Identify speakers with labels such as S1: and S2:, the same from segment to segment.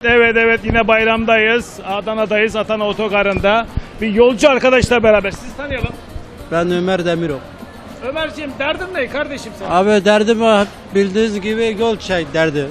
S1: Evet yine bayramdayız. Adana'dayız. Adana Otogarı'nda. Bir yolcu arkadaşla beraber. Sizi tanıyalım.
S2: Ben Ömer Demirok.
S1: Ömerciğim derdin ne kardeşim sen?
S2: Abi derdim bildiğiniz gibi yol derdi.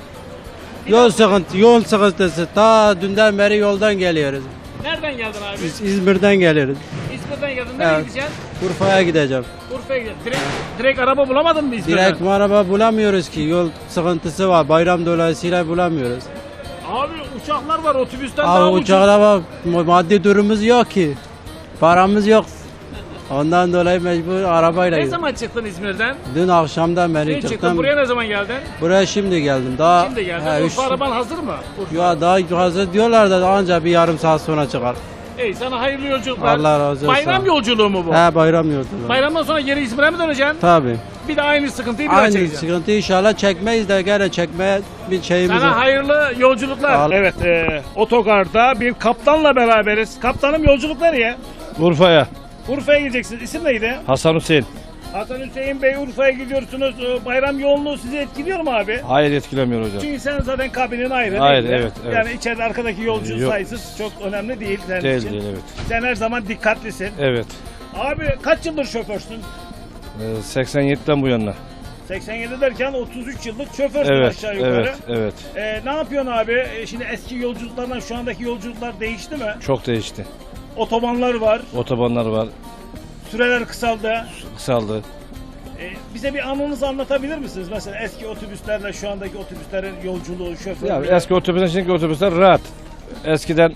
S2: Yol sıkıntısı. Ta dünden beri yoldan geliyoruz.
S1: Nereden geldin abi?
S2: İzmir'den geliyoruz.
S1: İzmir'den geldin. Nereye
S2: Evet.
S1: gideceksin?
S2: Urfa'ya gideceğim.
S1: Urfa'ya gideceksin. Direkt araba bulamadın mı İzmir'den?
S2: Direkt araba bulamıyoruz ki. Yol sıkıntısı var. Bayram dolayısıyla bulamıyoruz.
S1: Abi uçaklar var otobüsten daha
S2: Abi
S1: ucuz.
S2: uçakla bak maddi durumumuz yok ki. Paramız yok. Ondan dolayı mecbur arabayla
S1: Ne
S2: gidiyoruz.
S1: zaman çıktın İzmir'den?
S2: Dün akşamdan beri
S1: Dün çıktın.
S2: çıktım.
S1: Buraya ne zaman geldin?
S2: Buraya şimdi geldim. Daha
S1: Şimdi geldin.
S2: he,
S1: Urfa araban hazır mı? Urfa.
S2: ya daha hazır diyorlar da ancak bir yarım saat sonra çıkar.
S1: Ey sana hayırlı yolculuklar.
S2: Allah razı olsun.
S1: Bayram yolculuğu mu bu?
S2: He bayram yolculuğu.
S1: Bayramdan sonra geri İzmir'e mi döneceksin?
S2: Tabii.
S1: Bir de aynı sıkıntıyı bir daha
S2: Aynı
S1: çekeceksin.
S2: sıkıntı inşallah çekmeyiz de gene çekmeye bir şeyimiz
S1: Sana
S2: var.
S1: hayırlı yolculuklar.
S2: Sağ ol.
S1: Evet, otogarda bir kaptanla beraberiz. Kaptanım yolculuk nereye?
S3: Urfa'ya.
S1: Urfa'ya gideceksiniz. İsim neydi?
S3: Hasan Hüseyin.
S1: Hasan Hüseyin Bey, Urfa'ya gidiyorsunuz. Bayram yoğunluğu sizi etkiliyor mu abi?
S3: Hayır, etkilemiyor hocam.
S1: Çünkü sen zaten kabinin ayrı
S3: Hayır,
S1: değil mi?
S3: evet.
S1: Yani içeride arkadaki yolcu
S3: Yok.
S1: sayısı çok önemli değil senin
S3: Değil,
S1: için.
S3: değil, evet.
S1: Sen her zaman dikkatlisin.
S3: Evet.
S1: Abi kaç yıldır şoförsün?
S3: 87'den bu yana.
S1: 87 derken 33 yıllık şoförsün
S3: Evet,
S1: aşağı yukarı.
S3: evet.
S1: Ne yapıyorsun abi? Şimdi eski yolculuklardan şu andaki yolculuklar değişti mi?
S3: Çok değişti.
S1: Otobanlar var,
S3: Otobanlar var,
S1: süreler kısaldı.
S3: kısaldı.
S1: Bize bir anınızı anlatabilir misiniz? Mesela eski otobüslerle şu andaki otobüslerin yolculuğu, şoförlüğü.
S3: Ya eski otobüsler, şimdiki otobüsler rahat. Eskiden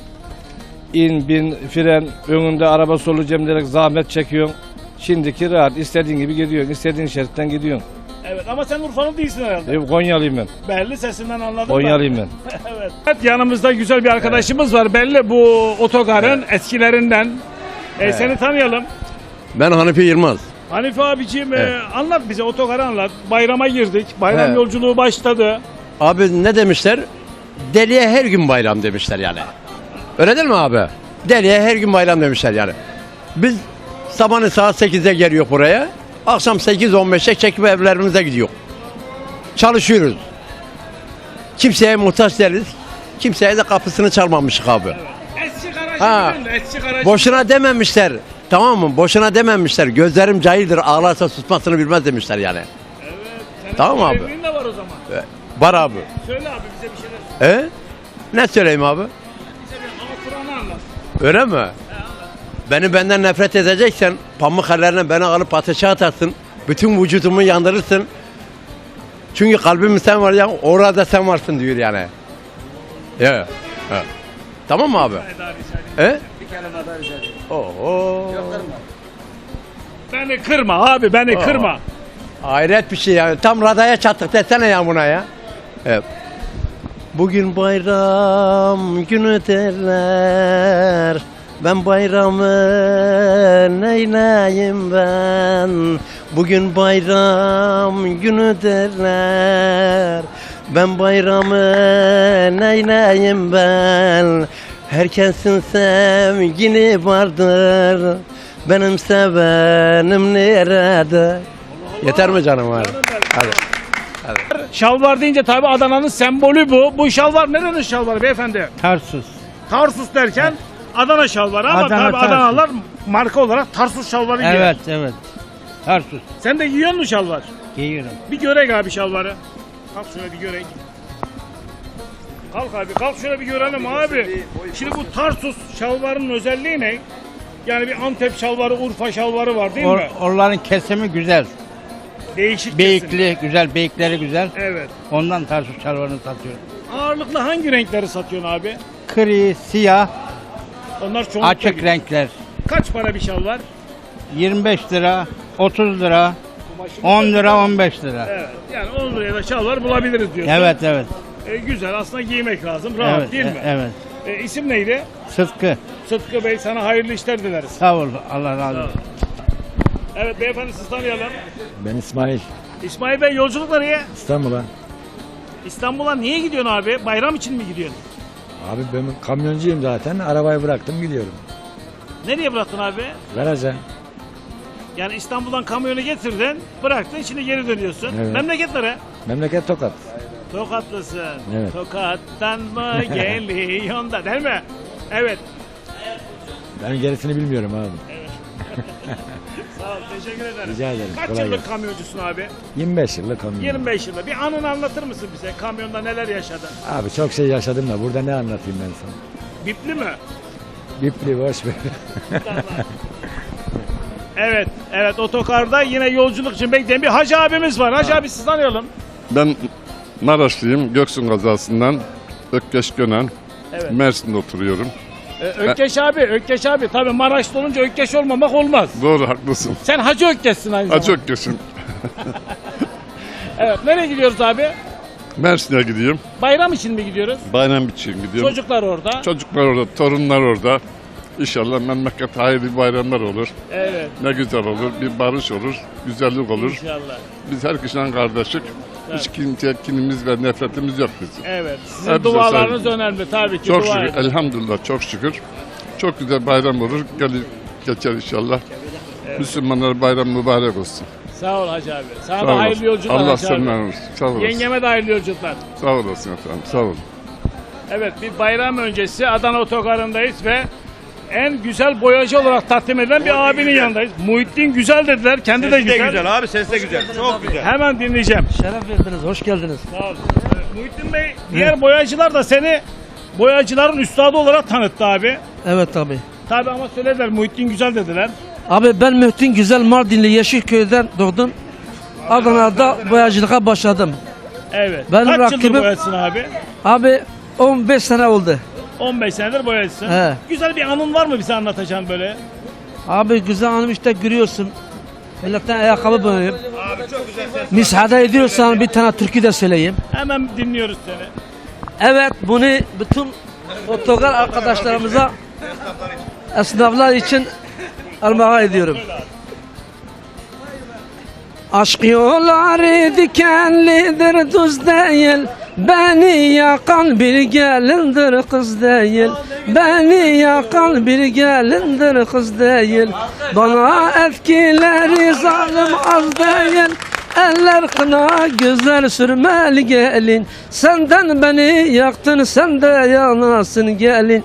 S3: in, bin, fren, önünde araba solacağım diyerek zahmet çekiyorsun. Şimdiki rahat, istediğin gibi gidiyorsun, istediğin şeritten gidiyorsun.
S1: Evet ama sen Urfa'nın değilsin herhalde.
S3: Konyalıyım ben.
S1: Belli sesinden anladım
S3: Konyalıyım ben.
S1: Evet. Evet, yanımızda güzel bir arkadaşımız var. Belli bu otogarın eskilerinden. Seni tanıyalım.
S4: Ben Hanifi Yılmaz.
S1: Hanife abiciğim
S4: Evet.
S1: anlat bize, otogarı anlat. Bayrama girdik. Bayram
S4: Evet.
S1: yolculuğu başladı.
S4: Abi ne demişler? Deliye her gün bayram demişler yani. Öyle değil mi abi? Deliye her gün bayram demişler yani. Biz sabahın saat 8'de geliyor buraya. Akşam 8-15'e çekip evlerimize gidiyor. Çalışıyoruz. Kimseye muhtaç değiliz. Kimseye de kapısını çalmamışık abi.
S1: Eski garajı
S4: Ha.
S1: bilin, eski garajı.
S4: Boşuna dememişler. Tamam mı? Boşuna dememişler. Gözlerim cahildir, ağlarsa susmasını bilmez demişler yani.
S1: Senin
S4: Tamam abi.
S1: evliliğin de var o zaman.
S4: Var abi.
S1: Söyle abi bize bir şeyler.
S4: Ne söyleyeyim abi?
S1: Bize bir Kur'an'ı anlat.
S4: Öyle mi? Benden nefret edeceksen pamuk ellerine beni alıp ateşe atarsın. Bütün vücudumu yandırırsın. Çünkü kalbim sen var ya, orada sen varsın diyor yani. Ya. Evet. Tamam mı abi?
S1: Bir kelime daha rica edeyim.
S4: Oho.
S1: Beni kırma abi, beni kırma.
S4: Hayret bir şey ya. Tam radaya çattık desene ya buna ya. Evet. Bugün bayram günü derler. Ben bayramı neyleyim ben? Bugün bayram günü derler. Ben bayramı neyleyim ben? Herkesin sevgili vardır. Benim sevenim nerede? Yeter mi canım abi? Hadi.
S1: Şalvar deyince tabi Adana'nın sembolü bu. Bu şalvar nerenin şalvarı beyefendi?
S2: Tarsus.
S1: Tarsus derken Adana şalvarı ama
S2: Adana,
S1: tabi
S2: Tarsus.
S1: Adanalılar marka olarak Tarsus şalvarı giyer.
S2: Evet. Tarsus.
S1: Sen de giyiyor musun şalvar?
S2: Giyiyorum.
S1: Bir görek abi şalvarı. Kalk şöyle bir görek. Kalk abi, kalk şöyle bir görelim abi. Şimdi bu Tarsus şalvarının özelliği ne? Yani bir Antep şalvarı, Urfa şalvarı var değil mi?
S5: Onların kesimi güzel.
S1: Değişik kesim.
S5: Beyikli güzel, beyikleri güzel.
S1: Evet.
S5: Ondan Tarsus şalvarını satıyorum.
S1: Ağırlıklı hangi renkleri satıyorsun abi?
S5: Gri, siyah,
S1: Onlar çoğunlukla
S5: açık
S1: gidiyor.
S5: renkler.
S1: Kaç para bir şalvar?
S5: 25 lira, 30 lira, 10 lira, 15 lira.
S1: Evet. Yani 10 liraya da şalvar bulabiliriz diyorsun.
S5: Evet.
S1: Güzel. Aslında giymek lazım. Rahat
S5: Evet,
S1: değil mi?
S5: evet.
S1: İsim neydi?
S5: Sıtkı.
S1: Sıtkı Bey, sana hayırlı işler dileriz.
S5: Sağ ol. Allah razı olsun.
S1: Evet beyefendi, siz tanıyalım.
S6: Ben İsmail.
S1: İsmail Bey, yolculuk nereye?
S6: İstanbul'a.
S1: İstanbul'a niye gidiyorsun abi? Bayram için mi gidiyorsun?
S6: Abi ben kamyoncuyum zaten. Arabayı bıraktım gidiyorum.
S1: Nereye bıraktın abi?
S6: Garaja.
S1: Yani İstanbul'dan kamyonu getirdin, bıraktın, şimdi geri dönüyorsun.
S6: Evet.
S1: Memleketlere.
S6: Memleket Tokat.
S1: Tokatlısın.
S6: Evet.
S1: Tokattan mı geliyorsun da değil mi? Evet.
S6: Ben gerisini bilmiyorum abi.
S1: Sağ ol. Teşekkür ederim.
S6: Rica ederim.
S1: Kaç
S6: Kolay
S1: yıllık
S6: gelsin.
S1: kamyoncusun abi?
S6: 25 yıllık kamyon.
S1: 25 yılda. Bir anını anlatır mısın bize? Kamyonda neler yaşadın?
S6: Abi çok şey yaşadım da burada ne anlatayım ben sana?
S1: Bipli mi?
S6: Bipli boş ver.
S1: Evet. Evet, otokarda yine yolculuk için bekleyen bir hacı abimiz var. Hacı abi sizi tanıyalım.
S7: Ben Maraşlıyım. Göksun kazasından Ökkeş Gönen.
S1: Evet.
S7: Mersin'de oturuyorum.
S1: Ökkeş abi. Tabii Maraş'ta olunca Ökkeş olmamak olmaz.
S7: Doğru, haklısın.
S1: Sen Hacı Ökkeş'sin aynı zamanda.
S7: Acı Ökkeş'im.
S1: Evet. Nereye gidiyoruz abi?
S7: Mersin'e gideyim.
S1: Bayram için mi gidiyoruz?
S7: Bayram için gidiyorum.
S1: Çocuklar orada.
S7: Çocuklar orada, torunlar orada. İnşallah memleket hayırlı bayramlar olur.
S1: Evet.
S7: Ne güzel olur. Bir barış olur. Güzellik olur.
S1: İnşallah.
S7: Biz her kişiden kardeşlik. Hiç kimseye kinimiz ve nefretimiz yok bizim.
S1: Evet. Sizin
S7: Hepsi
S1: dualarınız
S7: saygı.
S1: önemli tabii ki.
S7: Çok
S1: dua
S7: şükür.
S1: edin.
S7: Elhamdülillah çok şükür. Çok güzel bayram olur. Gelir geçer inşallah. Müslümanlar bayram mübarek olsun.
S1: Sağ ol Hacı abi. Sana
S7: Sağ
S1: da
S7: olasın.
S1: hayırlı yolculuklar
S7: Allah
S1: Hacı abi.
S7: senden olsun. Sağ olasın.
S1: Yengeme de hayırlı yolculuklar.
S7: Sağ olasın efendim. Sağ olun.
S1: Evet, bir bayram öncesi Adana Otogarı'ndayız ve en güzel boyacı olarak takdim edilen bir abinin yanındayız. Muhittin güzel dediler. Kendi de güzel.
S8: abi, ses de güzel. Çok güzel.
S1: Hemen dinleyeceğim.
S9: Şeref verdiniz, hoş geldiniz.
S1: Sağ olun. Muhittin Bey, diğer boyacılar da seni boyacıların üstadı olarak tanıttı abi.
S9: Evet abi.
S1: Tabi ama söylediler Muhittin güzel dediler.
S9: Abi ben Mühtin Güzel Mardinli Yeşilköy'den doğdum. Adana'da boyacılığa başladım.
S1: Evet.
S9: Benim
S1: Kaç yıldır
S9: rakibim-
S1: boyacısın abi?
S9: Abi 15 sene oldu.
S1: 15 senedir boyacısın.
S9: He.
S1: Güzel bir anın var mı bize anlatacağın böyle?
S9: Abi güzel hanım işte görüyorsun. Milletten ayakkabı boyuyorum. Müsaade ediyorsan bir tane türkü de söyleyeyim.
S1: Hemen dinliyoruz seni.
S9: Evet bunu bütün otogar arkadaşlarımıza esnaflar için armağan ediyorum. Aşk yolları dikenlidir düz değil. Beni yakan bir gelindir kız değil. Beni yakan bir gelindir kız değil. Bana etkileri zalim az değil. Eller kına güzel sürmeli gelin. Senden beni yaktın, sen de yanasın gelin.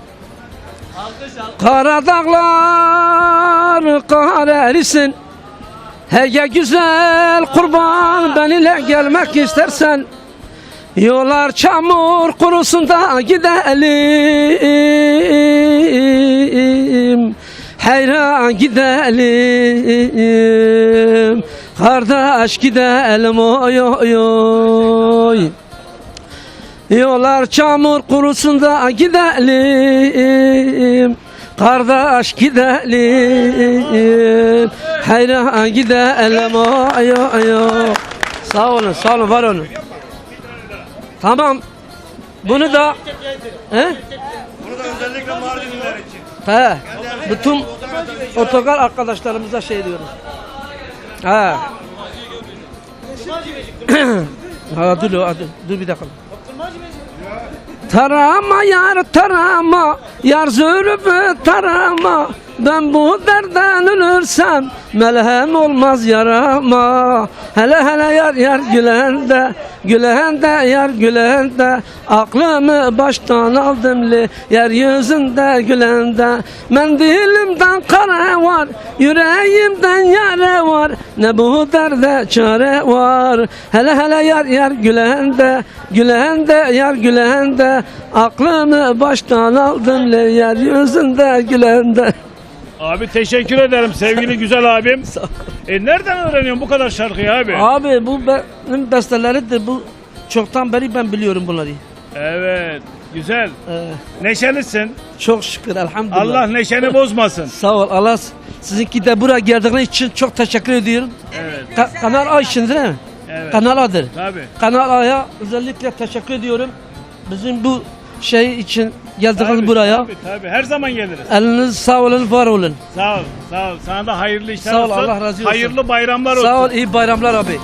S9: Kara dağlar kahretsin. Hege güzel kurban benimle gelmek istersen. Yollar çamur kurusunda gidelim. Hayran gidelim. Kardeş gidelim oy oy oy. Yollar çamur kurusunda gidelim. Kardeş gidelim. Hayran gidelim oy oy oy. Sağ olun, sağ olun, var olun. Tamam. Bunu da he?
S8: Bunu da özellikle Mardinliler için.
S9: He. Bütün otogar arkadaşlarımıza şey diyorum. He. Ha dur bir dakika. Tarama yar zürübü tarama. Ben bu derden ölürsem melhem olmaz yarama. Hele hele yar gülende, gülende yar gülende. Aklımı baştan aldım li yeryüzünde gülende. Mendilimden kara var, yüreğimden yara var. Ne bu derde çare var. Hele hele yar gülende, gülende yar gülende. Aklımı baştan aldım li yeryüzünde gülende.
S1: Abi teşekkür ederim sevgili güzel abim. Nereden öğreniyorsun bu kadar şarkıyı abi?
S9: Abi bu benim besteleridir. Bu çoktan beri ben biliyorum bunları.
S1: Evet, güzel. Neşelisin.
S9: Çok şükür elhamdülillah.
S1: Allah neşeni bozmasın.
S9: Sağ ol. Allah sizinki de buraya geldiğiniz için çok teşekkür ediyorum.
S1: Evet,
S9: Kanal A için değil mi?
S1: evet.
S9: Kanal A'dır.
S1: Tabii.
S9: Kanal A'ya özellikle teşekkür ediyorum. Bizim bu şey için geldiniz
S1: Tabii,
S9: buraya.
S1: tabii. Her zaman geliriz.
S9: Eliniz sağ olun, var olun.
S1: Sağ ol, sağ ol. Sana da hayırlı işler
S9: Sağ ol,
S1: olsun.
S9: Allah razı olsun.
S1: Hayırlı bayramlar olsun.
S9: Sağ ol, iyi bayramlar abi.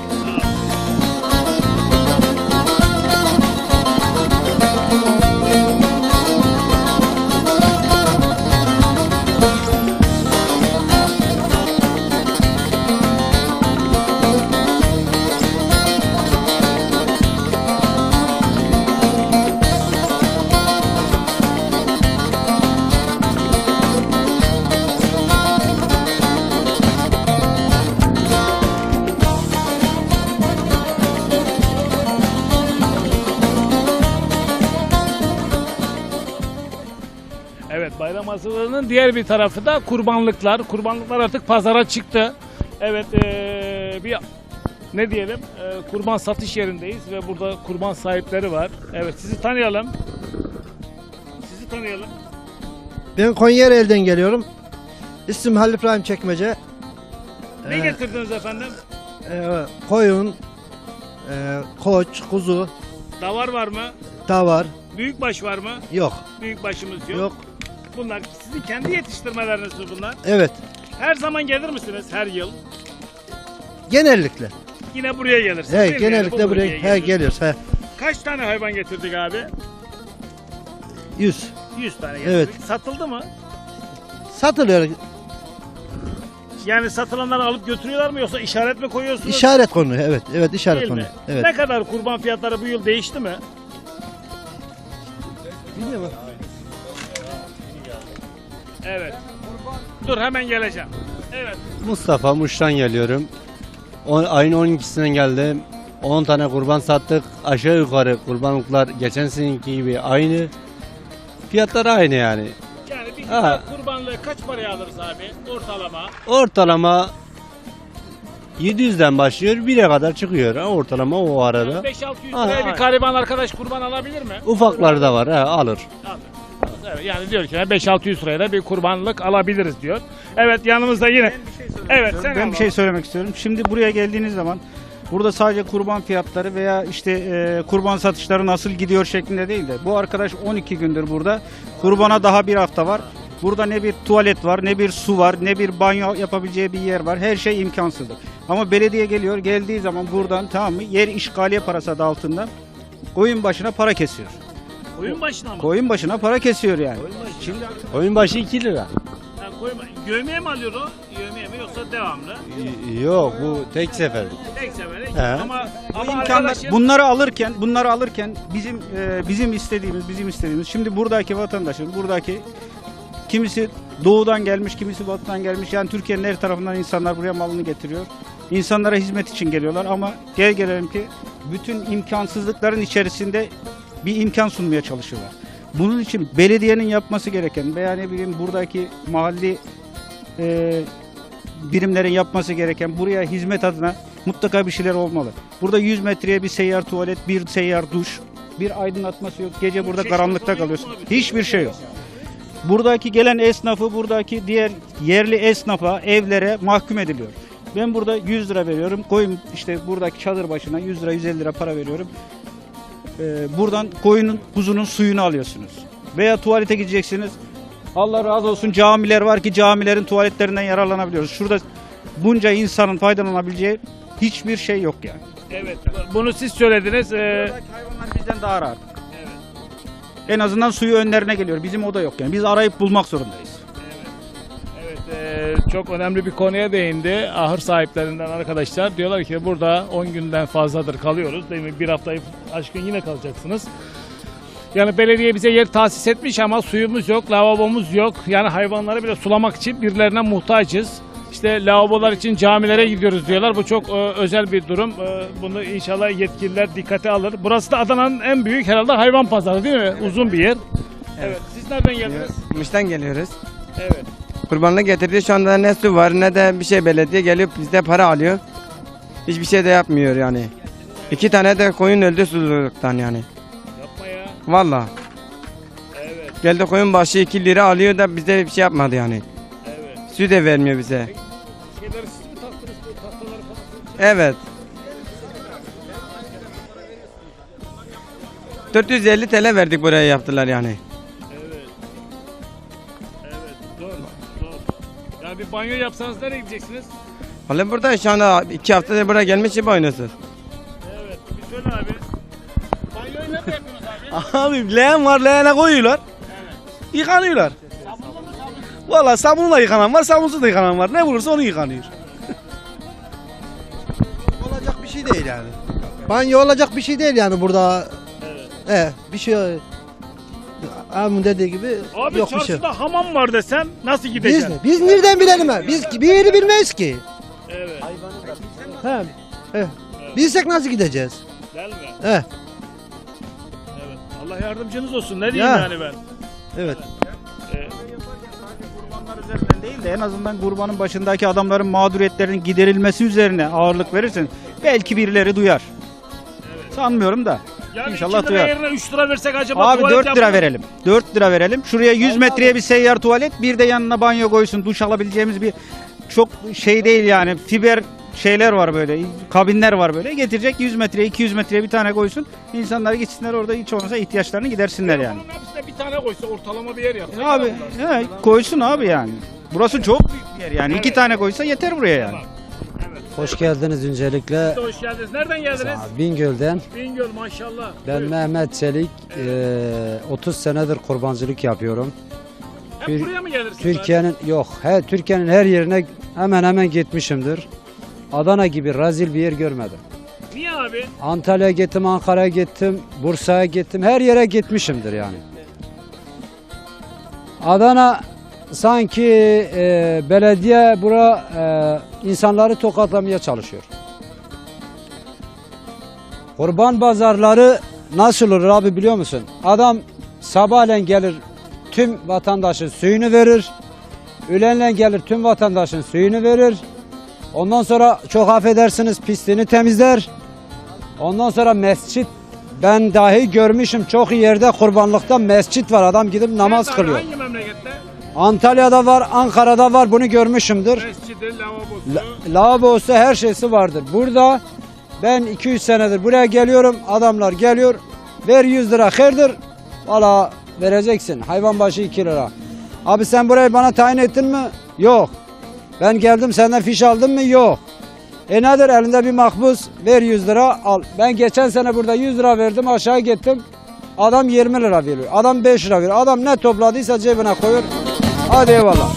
S1: bayram hazırlığının diğer bir tarafı da kurbanlıklar. Kurbanlıklar artık pazara çıktı. Evet, bir ne diyelim, kurban satış yerindeyiz ve burada kurban sahipleri var. Evet, sizi tanıyalım. Sizi tanıyalım.
S10: Ben Konyaaltı'dan geliyorum. İsmim Halil İbrahim Çekmece.
S1: Ne getirdiniz efendim?
S10: Koyun, koç, kuzu,
S1: Davar var mı?
S10: davar
S1: Büyükbaş var mı?
S10: yok.
S1: Büyükbaşımız yok.
S10: Yok.
S1: Bunlar sizin kendi yetiştirmeleriniz mi bunlar?
S10: Evet.
S1: Her zaman gelir misiniz her yıl?
S10: Genellikle.
S1: Yine buraya gelirsiniz
S10: He,
S1: değil mi? Yani
S10: genellikle
S1: bu
S10: buraya
S1: bölgeye
S10: geliyoruz. He.
S1: Kaç tane hayvan getirdik abi?
S10: 100.
S1: 100 tane getirdik.
S10: Evet.
S1: Satıldı mı?
S10: Satılıyor.
S1: Yani satılanları alıp götürüyorlar mı yoksa işaret mi koyuyorsunuz?
S10: İşaret konu. Evet. Evet, işaret
S1: Değil
S10: konu.
S1: mi?
S10: Evet.
S1: Ne kadar kurban fiyatları bu yıl değişti mi?
S10: Bilmiyorum.
S1: Evet. Dur hemen geleceğim. Evet.
S2: Mustafa Muş'tan geliyorum. Ayın 12'sinden geldim. 10 tane kurban sattık. Aşağı yukarı kurbanlıklar geçen seneki gibi aynı. Fiyatlar aynı yani.
S1: Yani bir
S2: Ha.
S1: güzel kurbanlığı kaç paraya alırız abi ortalama?
S2: Ortalama 700'den başlıyor 1'e kadar çıkıyor. Ortalama o arada.
S1: 5-600
S2: Ha,
S1: liraya
S2: ha.
S1: bir gariban arkadaş kurban alabilir mi?
S2: Ufaklar da var alır.
S1: Evet, yani diyor ki 5-600 liraya da bir kurbanlık alabiliriz diyor. Evet, yanımızda yine. Evet, sen
S5: Ben
S1: al
S5: bir şey
S1: abi.
S5: söylemek istiyorum. Şimdi buraya geldiğiniz zaman burada sadece kurban fiyatları veya işte kurban satışları nasıl gidiyor şeklinde değil de bu arkadaş 12 gündür burada. Kurbana daha bir hafta var. Burada ne bir tuvalet var, ne bir su var, ne bir banyo yapabileceği bir yer var. Her şey imkansızdır. Ama belediye geliyor, geldiği zaman buradan, tamam mı, yer işgaliye parası adı altında koyun başına para kesiyor.
S1: Oyun başına mı?
S5: Koyun başına para kesiyor yani. Şimdi
S2: Oyun başı 2 lira.
S1: Ha, yövmeye mi alıyor o? Yövmeye mi yoksa devamlı?
S2: Yok bu tek sefer.
S1: Tek sefere.
S2: He.
S1: Ama
S5: imkanlar
S1: arkadaşın
S5: bunları alırken bizim istediğimiz şimdi buradaki vatandaşın buradaki kimisi doğudan gelmiş, kimisi batıdan gelmiş. Yani Türkiye'nin her tarafından insanlar buraya malını getiriyor. İnsanlara hizmet için geliyorlar ama gel gelelim ki bütün imkansızlıkların içerisinde bir imkan sunmaya çalışıyorlar. Bunun için belediyenin yapması gereken veya ne bileyim buradaki mahalli birimlerin yapması gereken buraya hizmet adına mutlaka bir şeyler olmalı. Burada 100 metreye bir seyyar tuvalet, bir seyyar duş, bir aydınlatması yok. Gece burada karanlıkta kalıyorsun. Hiçbir şey yok. Buradaki gelen esnafı, buradaki diğer yerli esnafa, evlere mahkum ediliyor. Ben burada 100 lira veriyorum. Koyun işte buradaki çadır başına 100 lira, 150 lira para veriyorum. Buradan koyunun, kuzunun suyunu alıyorsunuz. Veya tuvalete gideceksiniz. Allah razı olsun camiler var ki camilerin tuvaletlerinden yararlanabiliyoruz. Şurada bunca insanın faydalanabileceği hiçbir şey yok yani.
S1: evet, bunu siz söylediniz.
S5: Buradaki hayvanlar bizden daha rahat. En azından suyu önlerine geliyor. Bizim o da yok yani. Biz arayıp bulmak zorundayız.
S1: Evet, çok önemli bir konuya değindi. Ahır sahiplerinden arkadaşlar diyorlar ki burada 10 günden fazladır kalıyoruz. Değil mi? Bir haftayı aşkın yine kalacaksınız. Yani belediye bize yer tahsis etmiş ama suyumuz yok, lavabomuz yok. Yani hayvanları bile sulamak için birilerine muhtacız. İşte lavabolar için camilere gidiyoruz diyorlar. Bu çok özel bir durum. Bunu inşallah yetkililer dikkate alır. Burası da Adana'nın en büyük herhalde hayvan pazarı değil mi? Uzun bir yer. Evet. Siz nereden geldiniz?
S11: Muş'tan geliyoruz.
S1: Evet.
S11: Kurbanlık getirdi. Şu anda ne su var ne de bir şey belediye geliyor bizde para alıyor. Hiçbir şey de yapmıyor yani. 2 tane de koyun öldü susuzluktan yani.
S1: Yapma ya.
S11: Valla.
S1: Evet.
S11: Geldi koyun başı 2 lira alıyor da bize bir şey yapmadı yani.
S1: Evet.
S11: Su da vermiyor bize.
S1: Şeyleri siz mi taktınız bu tahtaları falan?
S11: Evet. 450 TL verdik buraya yaptılar yani.
S1: Evet. Evet. Zor. Yani bir banyo yapsanız nereye gideceksiniz?
S11: Valla burada şu anda 2 haftadır buraya gelmiş gibi oynuyorsunuz.
S1: Evet. Bir söyle abi. Banyoyu nerede yapıyorsunuz abi?
S6: Abi leğen var leğene koyuyorlar. Yıkanıyorlar.
S1: Sabunlu mu sabun?
S6: Valla sabunla yıkanan var sabunsuz da yıkanan var. Ne bulursa onu yıkanıyor.
S10: Olacak bir şey değil yani. Banyo olacak bir şey değil yani burada.
S1: Evet.
S10: Bir şey abimin dediği gibi
S1: Abi
S10: yok bir şey.
S1: çarşıda hamam var desem nasıl
S10: Biz
S1: gideceksin?
S10: mi? Biz nereden bilelim ha? Biz bir yeri bilmeyiz ki.
S1: Evet.
S10: He. Bilsek nasıl gideceğiz?
S1: Değil mi?
S10: He.
S1: Evet. Allah yardımcınız olsun. Ne diyeyim
S10: Ya.
S1: yani ben?
S10: Evet.
S5: üzerinden değil de en azından kurbanın başındaki adamların mağduriyetlerinin giderilmesi üzerine ağırlık verirsen belki birileri duyar. Sanmıyorum da.
S1: Yani
S5: İnşallah
S1: 2 lira
S5: duyar.
S1: yerine 3 lira versek acaba
S5: Abi
S1: tuvalet
S5: 4 lira
S1: yapılır mı?
S5: verelim. 4 lira verelim. Şuraya 100 metreye bir seyyar tuvalet, bir de yanına banyo koysun. Duş alabileceğimiz bir çok şey değil yani. Fiber şeyler var böyle. Kabinler var böyle. Getirecek 100 metreye, 200 metreye bir tane koysun. İnsanlar gitsinler orada hiç olmazsa ihtiyaçlarını gidersinler yani.
S1: Bunun hepsine bir tane koysa ortalama bir yer yapsa.
S5: Abi koysun abi yani. Burası çok büyük bir yer yani. 2 tane koysa yeter buraya yani.
S2: Hoş geldiniz öncelikle.
S1: Siz de hoş geldiniz. Nereden geldiniz?
S2: Bingöl'den.
S1: Bingöl maşallah.
S2: Ben
S1: Buyurun.
S2: Mehmet Çelik. 30 senedir kurbancılık yapıyorum.
S1: Hep buraya mı gelirsiniz?
S2: Türkiye'nin her yerine hemen hemen gitmişimdir. Adana gibi rezil bir yer görmedim.
S1: Niye abi?
S2: Antalya'ya gittim, Ankara'ya gittim, Bursa'ya gittim. Her yere gitmişimdir yani. Adana sanki belediye insanları tokatlamaya çalışıyor. Kurban pazarları nasıl olur abi biliyor musun? Adam sabahleyin gelir tüm vatandaşın suyunu verir. Öğlenleyin gelir tüm vatandaşın suyunu verir. Ondan sonra çok affedersiniz pisliğini temizler. Ondan sonra mescit, ben dahi görmüşüm çok iyi yerde kurbanlıkta mescit var. Adam gidip namaz
S1: Nerede abi?
S2: kılıyor.
S1: Hangi memlekette?
S2: Antalya'da var, Ankara'da var, bunu görmüşümdür.
S1: Mescidi, lavabosu.
S2: Lavabosu her şeysi vardır. Burada ben 200 senedir buraya geliyorum. Adamlar geliyor. Ver 100 lira hayırdır. Valla vereceksin. Hayvan başı 2 lira. Abi sen burayı bana tayin ettin mi? Yok. Ben geldim senden fiş aldın mı? Yok. Nedir elinde bir makbuz ver 100 lira al. Ben geçen sene burada 100 lira verdim aşağı gittim. Adam 20 lira veriyor. Adam 5 lira veriyor. Adam ne topladıysa cebine koyuyor. Hadi eyvallah.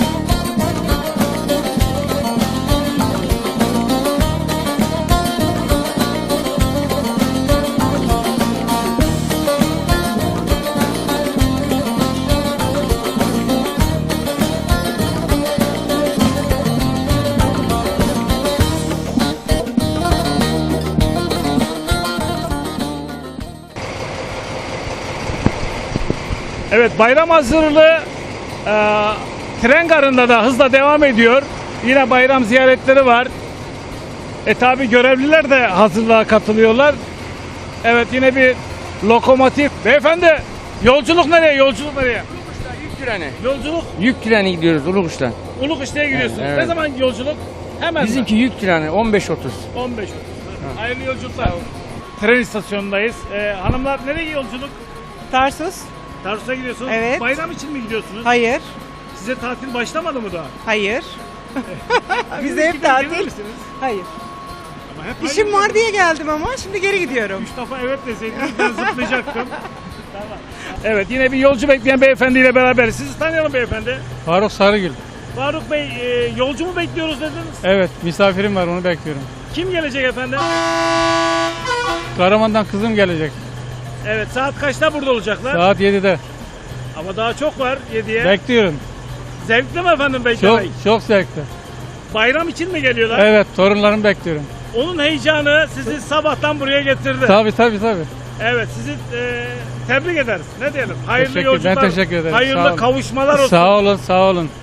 S1: Evet, bayram hazırlığı tren garında da hızla devam ediyor. Yine bayram ziyaretleri var. Tabi görevliler de hazırlığa katılıyorlar. Evet, yine bir lokomotif. Beyefendi, yolculuk nereye? Yolculuk nereye?
S11: Yük treni.
S1: Yolculuk
S11: Yük treni gidiyoruz Ulukuş'tan.
S1: Ulukışla'ya gidiyorsunuz.
S11: Evet.
S1: Ne zaman yolculuk? Hemen mi?
S11: Bizimki yük treni 15.30.
S1: 15. Hayırlı yolculuklar. Tren istasyonundayız. Hanımlar nereye yolculuk?
S12: Tarsus.
S1: Tarsus'a gidiyorsunuz.
S12: Evet.
S1: Bayram için mi gidiyorsunuz?
S12: Hayır.
S1: Size tatil başlamadı mı daha?
S12: Hayır. Bize hep
S1: Gelir
S12: tatil.
S1: misiniz?
S12: Hayır.
S1: Ama hep
S12: İşim var diye geldim ama şimdi geri gidiyorum.
S1: 3 defa evet deseydiniz ben zıplayacaktım. Tamam. Evet, yine bir yolcu bekleyen beyefendiyle beraber. Sizi tanıyalım beyefendi.
S6: Faruk Sarıgül.
S1: Faruk Bey, yolcu mu bekliyoruz dediniz?
S6: Evet, misafirim var onu bekliyorum.
S1: Kim gelecek efendim?
S6: Karaman'dan kızım gelecek.
S1: Evet, saat kaçta burada olacaklar?
S6: Saat 7'de.
S1: Ama daha çok var 7'ye.
S6: Bekliyorum.
S1: Zevkli mi efendim
S6: Çok,
S1: beklemek?
S6: çok zevkli.
S1: Bayram için mi geliyorlar?
S6: Evet, torunlarımı bekliyorum.
S1: Onun heyecanı sizi sabahtan buraya getirdi.
S6: Tabii.
S1: Evet, sizi tebrik ederiz. Ne diyelim? Hayırlı
S6: Ben
S1: yolculuklar.
S6: teşekkür ederim. Sağ
S1: Hayırlı
S6: olun.
S1: kavuşmalar olsun.
S6: Sağ olun.